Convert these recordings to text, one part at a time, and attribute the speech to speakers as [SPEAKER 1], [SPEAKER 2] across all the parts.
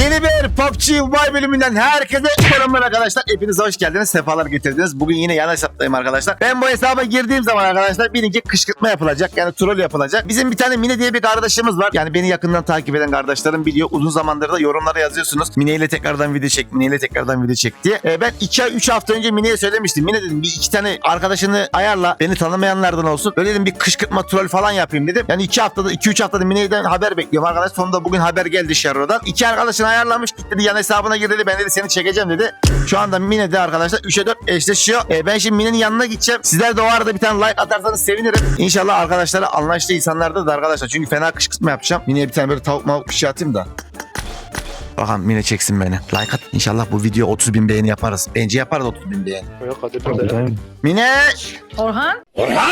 [SPEAKER 1] Yeni bir PUBG Mobile bölümünden herkese selamlar arkadaşlar. Hepiniz hoş geldiniz. Sefalar getirdiniz. Bugün yine yan hesaptayım arkadaşlar. Ben bu hesaba girdiğim zaman arkadaşlar birinci kışkırtma yapılacak. Yani troll yapılacak. Bizim bir tane Mine diye bir kardeşimiz var. Yani beni yakından takip eden kardeşlerim biliyor. Uzun zamandır da yorumlara yazıyorsunuz. Mine ile tekrardan video çek. Mine ile tekrardan video çek diye. Ben 2-3 hafta önce Mine'ye söylemiştim. Mine dedim bir iki tane arkadaşını ayarla. Beni tanımayanlardan olsun. Böyle dedim bir kışkırtma troll falan yapayım dedim. Yani 2-3 haftada Mine'den haber bekliyorum arkadaş. Sonunda bugün haber geldi Şerro'dan. 2 arkadaşını ayarlamış. Gitti dedi yan hesabına gir dedi. Ben dedi seni çekeceğim dedi. Şu anda Mine'de arkadaşlar 3'e 4 eşleşiyor. Ben şimdi Mine'nin yanına gideceğim. Sizler de o arada bir tane like atarsanız sevinirim. İnşallah arkadaşlara anlaştığı insanlardır da arkadaşlar. Çünkü fena kışkırtma yapacağım. Mine'ye bir tane böyle tavuk mavuk bir şey atayım da. Bakalım Mine çeksin beni. Like at. İnşallah bu video 30.000 beğeni yaparız. Bence yaparız 30.000 beğeni.
[SPEAKER 2] Yok hadi.
[SPEAKER 1] Mine!
[SPEAKER 3] Orhan.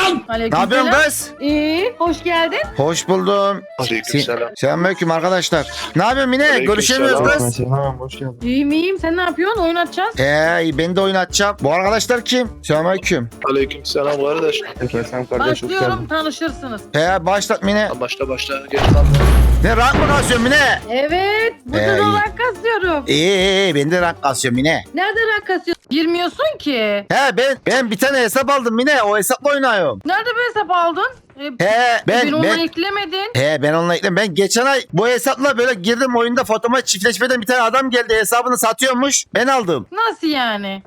[SPEAKER 1] Ne yapıyorsun kız?
[SPEAKER 3] İyi, hoş geldin.
[SPEAKER 1] Hoş buldum.
[SPEAKER 2] Aleykümselam.
[SPEAKER 1] Selamünaleyküm arkadaşlar. Ne yapıyorsun Mine?
[SPEAKER 2] Aleykümselam.
[SPEAKER 1] Görüşemiyoruz kız.
[SPEAKER 4] Selam, hoş geldin.
[SPEAKER 3] İyiyim. Sen ne yapıyorsun? Oyun atacağız.
[SPEAKER 1] Ben de oyun açacağım. Bu arkadaşlar kim? Selamünaleyküm.
[SPEAKER 2] Aleykümselam kardeş.
[SPEAKER 4] Sen kardeş, hoş
[SPEAKER 3] Başlıyorum,
[SPEAKER 4] geldin.
[SPEAKER 3] tanışırsınız.
[SPEAKER 1] Başlat Mine.
[SPEAKER 2] Başla. Geç kalma.
[SPEAKER 1] Ne rank mı kasıyorsun Mine?
[SPEAKER 3] Evet, bu
[SPEAKER 1] İyi.
[SPEAKER 3] olarak kasıyorum.
[SPEAKER 1] İyi ben de rank kasıyorum Mine.
[SPEAKER 3] Nerede rank kasıyorsun? Girmiyorsun ki.
[SPEAKER 1] Ben bir tane hesap aldım Mine. O hesapla oynuyorum.
[SPEAKER 3] Nerede bir hesap aldın?
[SPEAKER 1] Ben
[SPEAKER 3] onu eklemedin.
[SPEAKER 1] ben onunla ekledim. Ben geçen ay bu hesapla böyle girdim oyunda fotoğrafı çiftleşmeden bir tane adam geldi hesabını satıyormuş. Ben aldım.
[SPEAKER 3] Nasıl yani?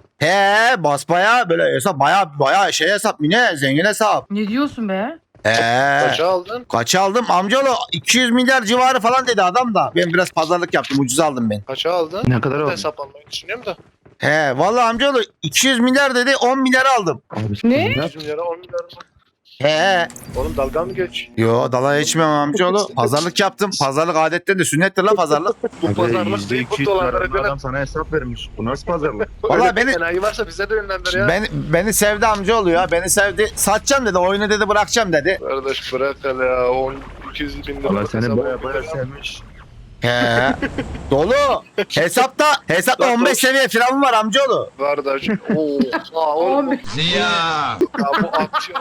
[SPEAKER 1] Basbaya böyle hesap baya şey hesap Mine zengin hesap.
[SPEAKER 3] Ne diyorsun be?
[SPEAKER 2] Kaça aldın?
[SPEAKER 1] Kaça aldım? Amcaoğlu 200 milyar civarı falan dedi adam da. Ben biraz pazarlık yaptım. Ucuz aldım ben.
[SPEAKER 2] Kaça aldın?
[SPEAKER 4] Ne kadar
[SPEAKER 2] Ben de
[SPEAKER 4] oldu?
[SPEAKER 2] hesap almayı düşünüyorum da.
[SPEAKER 1] Vallahi amcaoğlu 200 milyar dedi 10 milyar aldım.
[SPEAKER 4] Abi,
[SPEAKER 3] Ne?
[SPEAKER 2] 100 milyara 10 milyar mı?
[SPEAKER 1] He.
[SPEAKER 2] Oğlum dalga mı geç?
[SPEAKER 1] Yo dalaya içmiyorum amcaoğlu. Pazarlık yaptım. Pazarlık adettir de sünnettir la pazarlık.
[SPEAKER 2] Bu pazarlık değil bu dolarlara göre.
[SPEAKER 4] Adam sana hesap vermiş. Bu nasıl pazarlık?
[SPEAKER 1] Vallahi beni
[SPEAKER 2] Enayi varsa bize de yönlendir ya.
[SPEAKER 1] beni sevdi amcaoğlu ya. Beni sevdi. Satacağım dedi. Oyunu dedi bırakacağım dedi.
[SPEAKER 2] Kardeş bırak hele ya. 200 bin lira.
[SPEAKER 4] Valla seni
[SPEAKER 2] hesap
[SPEAKER 4] baya
[SPEAKER 2] olmuyor.
[SPEAKER 4] baya sevmiş.
[SPEAKER 1] He. Dolu. Hesapta 15 seviye firavun var amcaoğlu.
[SPEAKER 2] Kardeş. Oha oğlum. Ya bu atıyor.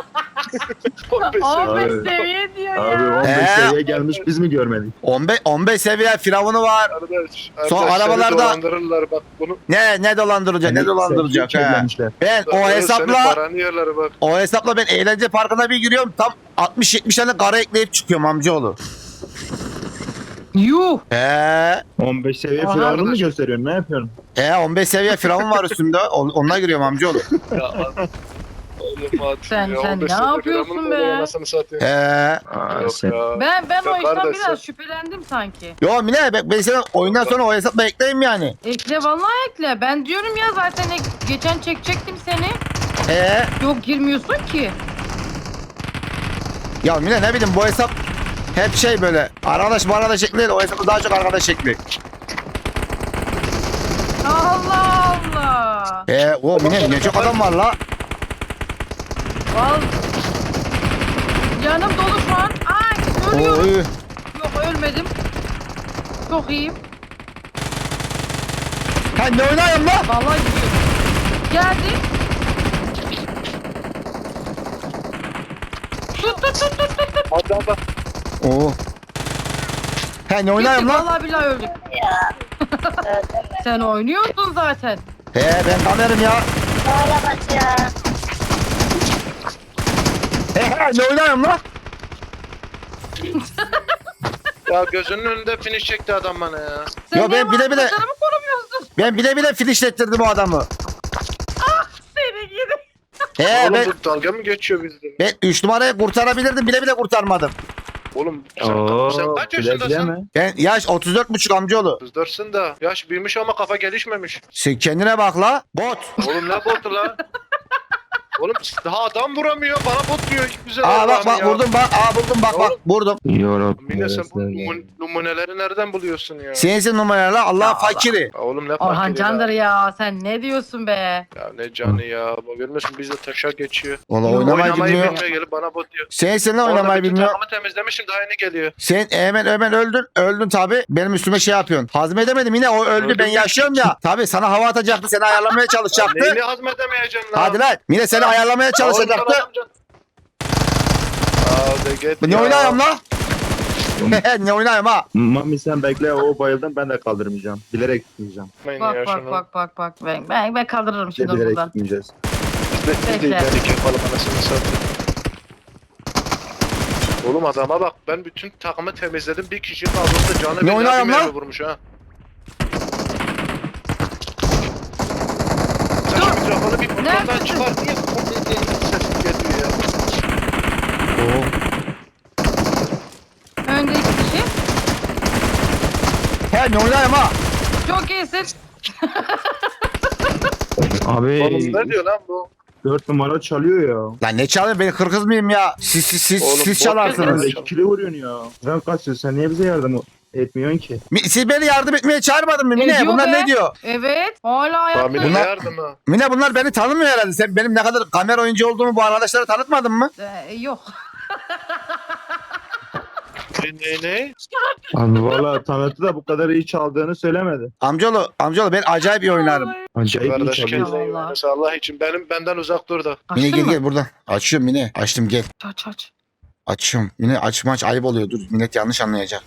[SPEAKER 2] 15
[SPEAKER 3] 15
[SPEAKER 4] Abi.
[SPEAKER 3] seviye diyor
[SPEAKER 4] Abi
[SPEAKER 3] ya.
[SPEAKER 4] 15 seviyeye gelmiş biz mi görmedik?
[SPEAKER 1] 15 seviye firavunu var.
[SPEAKER 2] Kardeş.
[SPEAKER 1] Son
[SPEAKER 2] Seni
[SPEAKER 1] arabalarda-
[SPEAKER 2] dolandırırlar bak bunu.
[SPEAKER 1] Ne dolandıracak? Ne dolandıracak he.
[SPEAKER 4] Kirlenmişler.
[SPEAKER 1] Ben o
[SPEAKER 2] Senin
[SPEAKER 1] hesapla
[SPEAKER 2] paranı yerler bak.
[SPEAKER 1] ben eğlence parkına bir giriyorum. Tam 60-70 tane kara ekleyip çıkıyorum amcaoğlu.
[SPEAKER 3] Yuh.
[SPEAKER 4] 15 seviye
[SPEAKER 3] Aha.
[SPEAKER 4] firavunu mu gösteriyorsun? Ne yapıyorsun?
[SPEAKER 1] 15 seviye firavun var üstümde. Onunla giriyorum amcaoğlu.
[SPEAKER 2] Ya oğlum at
[SPEAKER 3] Sen
[SPEAKER 2] ya,
[SPEAKER 3] ne
[SPEAKER 2] 15 sene
[SPEAKER 3] yapıyorsun
[SPEAKER 2] gramın
[SPEAKER 3] be?
[SPEAKER 2] oluyor, anasını satayım.
[SPEAKER 4] Aa,
[SPEAKER 2] Yok
[SPEAKER 4] sen...
[SPEAKER 2] ya.
[SPEAKER 3] Ben o işten
[SPEAKER 2] kardeş,
[SPEAKER 3] biraz şüphelendim sanki.
[SPEAKER 1] Yo Mine ben sana oyundan sonra o hesapla ekleyeyim yani.
[SPEAKER 3] Ekle vallahi ekle. Ben diyorum ya zaten geçen çekecektim seni. Yok girmiyorsun ki.
[SPEAKER 1] Ya Mine ne bileyim bu hesap hep şey böyle arkadaş şekli değil, o hesapta daha çok arkadaş şekli.
[SPEAKER 3] Allah Allah.
[SPEAKER 1] O Mine ne çok adam var la.
[SPEAKER 3] Vallahi. Yanım dolu şu an. Ay ölüyorum.
[SPEAKER 1] Oy.
[SPEAKER 3] Yok ölmedim. Çok iyiyim.
[SPEAKER 1] Ne oynayayım la?
[SPEAKER 3] Vallahi gidiyorum. Geldi. Tut.
[SPEAKER 2] Adam bak.
[SPEAKER 1] Oo. Ne oynayayım
[SPEAKER 3] Gittik,
[SPEAKER 1] la?
[SPEAKER 3] vallahi billahi öldük. Sen oynuyorsun zaten.
[SPEAKER 1] Ben kamerim ya. Ne oynayayım la?
[SPEAKER 2] Ya gözünün önünde finish çekti adam bana ya.
[SPEAKER 3] Sen
[SPEAKER 1] Yo,
[SPEAKER 3] niye
[SPEAKER 1] ben bile bile-
[SPEAKER 3] arkadaşlarımı korumuyorsun?
[SPEAKER 1] Ben bile finishlettirdim o adamı.
[SPEAKER 3] Seni gidi.
[SPEAKER 2] Oğlum
[SPEAKER 1] Ben
[SPEAKER 2] bu dalga mı geçiyor bizden?
[SPEAKER 1] 3 numarayı kurtarabilirdim bile kurtarmadım.
[SPEAKER 2] Oğlum
[SPEAKER 4] Oo,
[SPEAKER 2] sen kaç
[SPEAKER 4] güle güle
[SPEAKER 2] yaşındasın?
[SPEAKER 4] mi?
[SPEAKER 1] Ben yaş 34,5 amcaoğlu.
[SPEAKER 2] Kızdırsın da. Yaş büyümüş ama kafa gelişmemiş.
[SPEAKER 1] Sen kendine bak la. Bot.
[SPEAKER 2] Oğlum ne botu la? Oğlum daha adam vuramıyor. Bana bot diyor. Güzel
[SPEAKER 1] Bak
[SPEAKER 2] Allah'ım ya.
[SPEAKER 1] vurdum bak. Buldum bak
[SPEAKER 2] Oğlum.
[SPEAKER 1] vurdum.
[SPEAKER 2] Mine sen bu numuneleri nereden buluyorsun ya?
[SPEAKER 1] Sensin numaralarla Allah fakiri.
[SPEAKER 2] Ya oğlum ne
[SPEAKER 3] Orhan
[SPEAKER 2] fakiri
[SPEAKER 3] Candır
[SPEAKER 2] ya.
[SPEAKER 3] ya. Sen ne diyorsun be?
[SPEAKER 2] Ya ne canı ya. Bak görmüyorsun biz de taşa geçiyor.
[SPEAKER 1] Valla oynamayı bilmiyor.
[SPEAKER 2] bilmiyor gelip bana bot diyor.
[SPEAKER 1] Sensin lan
[SPEAKER 2] Orada
[SPEAKER 1] oynamayı
[SPEAKER 2] bütün
[SPEAKER 1] bilmiyor.
[SPEAKER 2] takımı temizlemişim daha yeni geliyor.
[SPEAKER 1] Sen hemen öldün. Öldün tabi. Benim üstüme şey yapıyorsun. Hazmedemedim yine o öldü.
[SPEAKER 2] Öldüm
[SPEAKER 1] Ben
[SPEAKER 2] ya.
[SPEAKER 1] yaşıyorum ya. Tabi sana hava atacaktı. Seni ayarlamaya çalışacaktı.
[SPEAKER 2] Neyini hazmedemeyeceğim lan?
[SPEAKER 1] Hadi lan. Mine seni ayarlamaya çalışacaktı.
[SPEAKER 2] Hadi git
[SPEAKER 1] Ne
[SPEAKER 2] ya.
[SPEAKER 1] oynayayım la? Ne oynayayım ha?
[SPEAKER 4] Mami sen bekle, o bayıldım, ben de kaldırmayacağım. Bilerek gitmeyeceğim.
[SPEAKER 3] Bak bak bak bak bak. Ben kaldırırım
[SPEAKER 4] Biz de
[SPEAKER 3] şimdi onu
[SPEAKER 4] bilerek
[SPEAKER 3] buradan.
[SPEAKER 4] gitmeyeceğiz.
[SPEAKER 2] Biz de ilerledik yapalım anasını satayım. Oğlum adama bak, ben bütün takımı temizledim, bir kişi kaldı da canı
[SPEAKER 1] Ne
[SPEAKER 2] bir
[SPEAKER 1] oynayayım
[SPEAKER 2] mermi
[SPEAKER 1] lan?
[SPEAKER 2] vurmuş ha. Sen şu mikrofonu bir kontrolden
[SPEAKER 3] Neredesin?
[SPEAKER 2] çıkar, niye sesin geliyor ya?
[SPEAKER 3] Önde 2 kişi.
[SPEAKER 1] He ne oynayayım ha?
[SPEAKER 3] Çok iyisin.
[SPEAKER 4] Abi
[SPEAKER 2] Oğlum ne diyor lan bu?
[SPEAKER 4] 4 numara çalıyor ya.
[SPEAKER 1] Lan ne çalayım, ben kırkız mıyım ya? Siz
[SPEAKER 2] Oğlum,
[SPEAKER 1] siz
[SPEAKER 2] bot
[SPEAKER 1] çalarsınız.
[SPEAKER 2] ya.
[SPEAKER 4] 2 kilo vuruyorsun ya. Sen kaçıyorsun, sen niye bize yardım etmiyorsun ki?
[SPEAKER 1] Siz beni yardım etmeye çağırmadın mı Mine?
[SPEAKER 3] Ediyor
[SPEAKER 1] Bunlar
[SPEAKER 3] be.
[SPEAKER 1] ne diyor?
[SPEAKER 3] Evet. Hala ayakta.
[SPEAKER 2] Tahmin
[SPEAKER 1] Bunlar-
[SPEAKER 2] ederdim ha.
[SPEAKER 1] Mine bunlar beni tanımıyor herhalde. Sen benim ne kadar kamera oyuncu olduğumu bu arkadaşlara tanıtmadın mı?
[SPEAKER 3] Yok.
[SPEAKER 2] Ne?
[SPEAKER 4] Abi valla tanıtı da bu kadar iyi çaldığını söylemedi.
[SPEAKER 1] Amcaoğlu ben acayip iyi oynarım.
[SPEAKER 4] Acayip iyi
[SPEAKER 2] Kardeş
[SPEAKER 4] çalıyor.
[SPEAKER 2] kendine iyi
[SPEAKER 3] Allah.
[SPEAKER 2] oynasın, Allah için. Benden uzak dur da.
[SPEAKER 1] Mine
[SPEAKER 3] Açtın
[SPEAKER 1] gel
[SPEAKER 3] mı?
[SPEAKER 1] buradan. Açıyorum Mine. Açtım gel.
[SPEAKER 3] Aç.
[SPEAKER 1] Açıyorum. Mine açmaç ayıp oluyor. Dur millet yanlış anlayacak.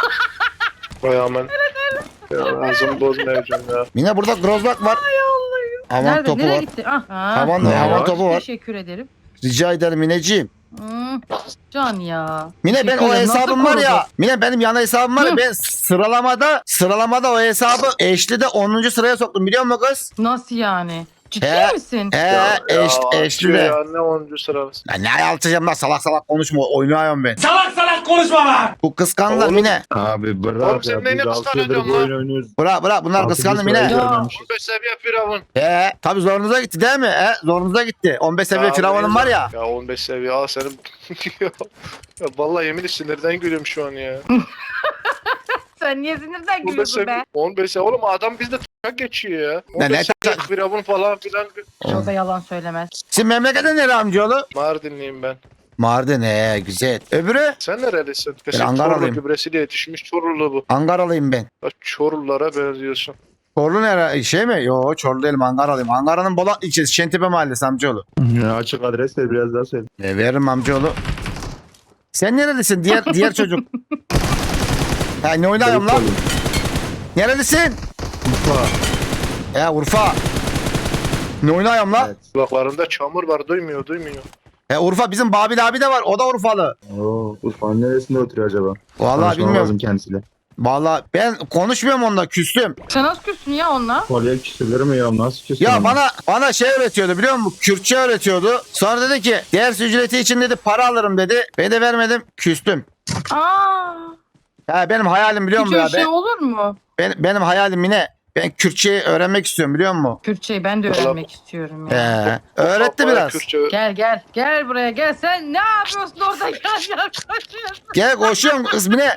[SPEAKER 2] Vay aman. Ya ağzımı bozmayacağım ya.
[SPEAKER 1] Mine burada grozbak var. Havan
[SPEAKER 3] Nerede?
[SPEAKER 1] topu
[SPEAKER 3] Nereye
[SPEAKER 1] var.
[SPEAKER 3] gitti? Ah.
[SPEAKER 1] Havan
[SPEAKER 4] var?
[SPEAKER 1] topu var.
[SPEAKER 3] Teşekkür ederim.
[SPEAKER 1] Rica ederim Mineciğim.
[SPEAKER 3] Can ya.
[SPEAKER 1] Mine ben
[SPEAKER 3] Teşekkür
[SPEAKER 1] o
[SPEAKER 3] ederim.
[SPEAKER 1] hesabım
[SPEAKER 3] Nasıl
[SPEAKER 1] var ya.
[SPEAKER 3] korudu?
[SPEAKER 1] Mine benim yana hesabım var ya.
[SPEAKER 3] Hı.
[SPEAKER 1] Ben sıralamada o hesabı eşlide 10. sıraya soktum biliyor musun kız?
[SPEAKER 3] Nasıl yani? Ciddi
[SPEAKER 1] He.
[SPEAKER 3] misin?
[SPEAKER 1] Eşlide.
[SPEAKER 2] Ya ne 10. sırası.
[SPEAKER 1] Ya ne alçacağım lan salak salak konuşma oynuyorum ben. Salak salak konuşma lan. Bu kıskandılar
[SPEAKER 2] Oğlum.
[SPEAKER 1] Mine.
[SPEAKER 4] Abi bırak
[SPEAKER 2] Oğlum
[SPEAKER 4] ya.
[SPEAKER 2] sen
[SPEAKER 4] Biz
[SPEAKER 2] neyine
[SPEAKER 4] 6 yıldır
[SPEAKER 2] kıskanıyorsun
[SPEAKER 4] bu
[SPEAKER 2] lan?
[SPEAKER 4] oyunu oynuyoruz.
[SPEAKER 1] Bırak bunlar kıskandı Mine.
[SPEAKER 3] Ya.
[SPEAKER 2] 15 seviye firavun.
[SPEAKER 1] Tabii zorunuza gitti değil mi? Zorunuza gitti. 15 seviye
[SPEAKER 2] Ya
[SPEAKER 1] firavunum var ya.
[SPEAKER 2] Ya 15 seviye al senin. ya vallahi yemin sinirden gülüyorum şu an ya.
[SPEAKER 3] Sen niye sinirden
[SPEAKER 2] 15
[SPEAKER 3] gülüyorsun be?
[SPEAKER 2] seviye. 15 seviye. Oğlum adam bizde tak geçiyor ya.
[SPEAKER 1] Ne
[SPEAKER 2] 15 seviye
[SPEAKER 1] tak-
[SPEAKER 2] firavun falan filan.
[SPEAKER 3] O da yalan söylemez.
[SPEAKER 1] Şimdi memlekete nere amcaoğlu?
[SPEAKER 2] Mardinliyim ben.
[SPEAKER 1] Mardin güzel. Öbürü?
[SPEAKER 2] Sen nerelisin?
[SPEAKER 1] Ben
[SPEAKER 2] Kesin
[SPEAKER 1] Ankaralıyım.
[SPEAKER 2] Çorlu gübresiyle yetişmiş Çorlu bu.
[SPEAKER 1] Ankaralıyım ben.
[SPEAKER 2] Bak Çorlulara benziyorsun.
[SPEAKER 1] Çorlu nere? Şey mi? Yo Çorlu değilim Ankaralıyım. Ankara'nın Bolat ilçesi Şentepe mahallesi amcaoğlu.
[SPEAKER 4] Ya açık adres ver, biraz daha söyle.
[SPEAKER 1] Veririm amcaoğlu. Sen nerelisin? Diğer çocuk. Ne oynayayım lan? Nerelisin?
[SPEAKER 4] Urfa.
[SPEAKER 1] Urfa. Ne oynayayım lan?
[SPEAKER 4] Evet.
[SPEAKER 2] Kulaklarında çamur var, duymuyor.
[SPEAKER 1] Urfa bizim Babil abi de var. O da Urfalı.
[SPEAKER 4] Oo, Urfa'nın neresinde oturuyor acaba?
[SPEAKER 1] Vallahi
[SPEAKER 4] Konuşmam
[SPEAKER 1] bilmiyorum.
[SPEAKER 4] lazım kendisiyle.
[SPEAKER 1] Vallahi ben konuşmuyorum onunla küstüm.
[SPEAKER 3] Sen nasıl küstün ya onunla?
[SPEAKER 4] Kolye küsülür mü ya? Nasıl küsülür?
[SPEAKER 1] Ya bana şey öğretiyordu biliyor musun? Kürtçe öğretiyordu. Sonra dedi ki ders ücreti için dedi para alırım dedi. Ben de vermedim küstüm.
[SPEAKER 3] Aa.
[SPEAKER 1] Benim hayalim biliyor
[SPEAKER 3] Hiç
[SPEAKER 1] musun ya?
[SPEAKER 3] öyle şey olur mu?
[SPEAKER 1] Benim hayalim yine. Ben Kürtçeyi öğrenmek istiyorum biliyor musun?
[SPEAKER 3] Kürtçeyi ben de öğrenmek istiyorum ya.
[SPEAKER 1] Öğretti
[SPEAKER 2] Bana
[SPEAKER 1] biraz.
[SPEAKER 2] Kürtçe
[SPEAKER 3] Gel buraya gel. Sen ne yapıyorsun orada? Gel koşuyorsun.
[SPEAKER 1] Gel koşuyorum kız Mine.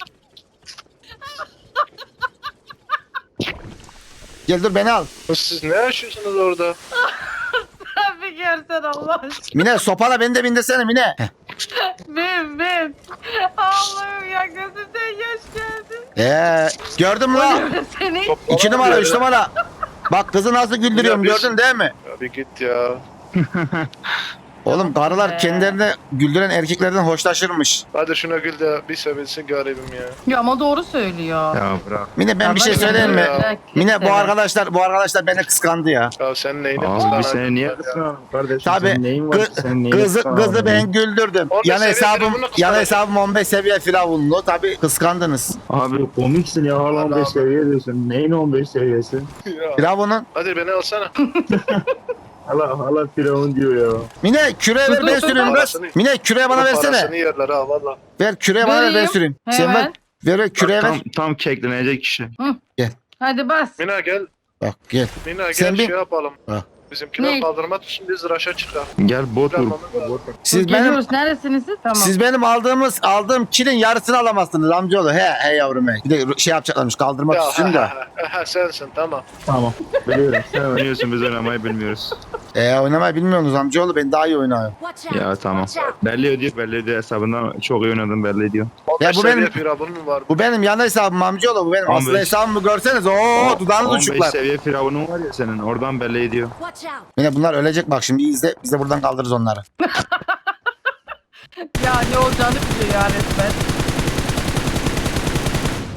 [SPEAKER 1] Gel dur beni al.
[SPEAKER 2] Siz ne yaşıyorsunuz orada?
[SPEAKER 3] Bir görsen Allah aşkına.
[SPEAKER 1] Mine sopala beni de bindirsene Mine.
[SPEAKER 3] Ben. Allah'ım ya gözümden yaş geldi.
[SPEAKER 1] Gördün mü lan?
[SPEAKER 3] Seni
[SPEAKER 1] 2 numara 3 numara. Bak kızı nasıl güldürüyorum
[SPEAKER 2] Ya biz-
[SPEAKER 1] gördün değil mi?
[SPEAKER 2] Ya bir git ya.
[SPEAKER 1] Oğlum karılar
[SPEAKER 3] Be.
[SPEAKER 1] kendilerini güldüren erkeklerden hoşlaşırmış.
[SPEAKER 2] Hadi şuna gül de bir sevinsin garibim ya.
[SPEAKER 3] ya ama doğru söylüyor.
[SPEAKER 4] Ya bırak.
[SPEAKER 1] Mine ben bir şey
[SPEAKER 3] Ama
[SPEAKER 1] söyleyeyim mi?
[SPEAKER 2] Ya.
[SPEAKER 1] Mine bu arkadaşlar beni kıskandı ya.
[SPEAKER 2] Ya sen neyini
[SPEAKER 4] Abi
[SPEAKER 2] kıskanan
[SPEAKER 4] seni niye
[SPEAKER 2] ya?
[SPEAKER 4] kıskanalım kardeşim?
[SPEAKER 1] Tabii,
[SPEAKER 4] Senin neyin var? Sen neyini
[SPEAKER 1] Kızı
[SPEAKER 4] kıskanalım?
[SPEAKER 1] ben güldürdüm.
[SPEAKER 2] 15
[SPEAKER 1] Yan
[SPEAKER 2] seviye
[SPEAKER 1] hesabım
[SPEAKER 2] firavunu kıskanacak.
[SPEAKER 1] 15 seviye firavunlu. Tabii kıskandınız.
[SPEAKER 4] Abi komiksin ya, hala
[SPEAKER 2] Allah
[SPEAKER 4] 15
[SPEAKER 2] Allah.
[SPEAKER 4] seviye diyorsun. Neyin 15 seviyesi?
[SPEAKER 2] Ya.
[SPEAKER 1] Firavunun.
[SPEAKER 2] Hadi beni alsana.
[SPEAKER 4] Hala firavun diyor ya.
[SPEAKER 1] Mine küreğe ver ben
[SPEAKER 3] Dur,
[SPEAKER 1] süreyim kız.
[SPEAKER 2] parasını-
[SPEAKER 1] Mine küreğe bana
[SPEAKER 2] Parasını
[SPEAKER 1] versene.
[SPEAKER 2] yerler ha valla.
[SPEAKER 1] Ver küreğe bana ver ben
[SPEAKER 3] Vereyim.
[SPEAKER 1] süreyim. Sen ver.
[SPEAKER 3] Hemen.
[SPEAKER 1] Ver küreğe ver.
[SPEAKER 4] Tam keklenecek kişi.
[SPEAKER 3] Hadi bas.
[SPEAKER 2] Mina gel.
[SPEAKER 1] Bak gel.
[SPEAKER 2] Mina
[SPEAKER 1] Sen
[SPEAKER 2] gel
[SPEAKER 1] bir-
[SPEAKER 2] şey yapalım.
[SPEAKER 1] Ha.
[SPEAKER 2] Bizimkiler
[SPEAKER 3] Ne?
[SPEAKER 2] kaldırma tutsun biz raşa çıkar.
[SPEAKER 4] Gel bot vur.
[SPEAKER 2] Planlamamız lazım.
[SPEAKER 1] Siz benim
[SPEAKER 3] Geliyoruz. Neresiniz siz? Tamam.
[SPEAKER 1] Siz benim aldığım kilin yarısını alamazsınız amcaoğlu. He yavrum he. Bir de şey yapacaklarmış kaldırmak
[SPEAKER 2] Ya
[SPEAKER 1] için de.
[SPEAKER 2] sensin tamam.
[SPEAKER 4] Tamam. Biliyorum. Sen oynuyorsun, biz oynamayı bilmiyoruz.
[SPEAKER 1] Oynamayı bilmiyorsunuz amcaoğlu. Ben daha iyi oynuyorum.
[SPEAKER 4] Ya tamam. Belli ediyor hesabından çok iyi oynadım, belli ediyor.
[SPEAKER 2] 15
[SPEAKER 1] bu
[SPEAKER 2] seviye
[SPEAKER 1] benim-
[SPEAKER 2] firavun mu var?
[SPEAKER 1] Bu benim yan hesabım amcaoğlu. Bu benim
[SPEAKER 4] 15.
[SPEAKER 1] asıl hesabımı görseniz. Oo dudağınız
[SPEAKER 4] 15
[SPEAKER 1] uçuklar.
[SPEAKER 4] seviye firavunun var ya senin, oradan belli ediyor.
[SPEAKER 1] Yine bunlar ölecek bak şimdi izle. Biz de buradan kaldırırız onları.
[SPEAKER 3] Ya ne olacağını biliyor ya resmen.